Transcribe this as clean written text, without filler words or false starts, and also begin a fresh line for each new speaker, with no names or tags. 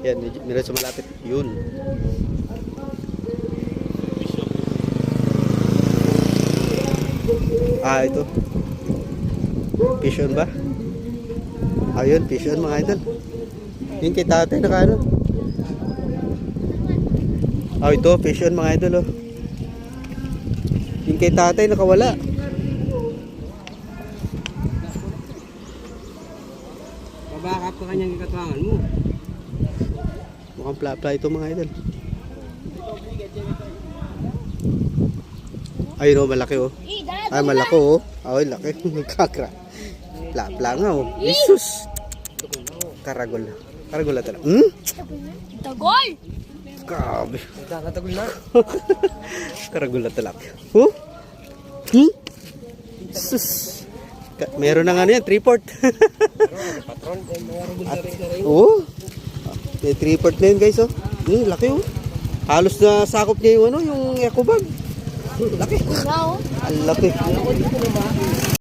Yan, meron sa malapit. Yun. Ito. Fish on ba? Ayun, fish on mga idol. Yung kay tatay naka ano. Ito, fish on mga idol, oh. Yung kay tatay nakawala.
Babakap ka kanyang ikatwangan mo.
Mukhang pla-pla ito mga idol. Ayun, oh, malaki, oh. Ay, malaki, oh. Ay, laki. Kakra. Pla-pla nga, oh. Jesus. Karagol. Karagol na talaga.
Tagol!
Grabe.
Nagkakatagol na.
Karagol na talaga. Oh? Sus. Meron na nga yan, 3-port.
Patron, mga rubol na rin.
Oo. May 3-port na yun, guys, oh. Laki, oh. Halos na sakop niya yung ano, yung eco bag. Laki.
Wow.
Ang laki.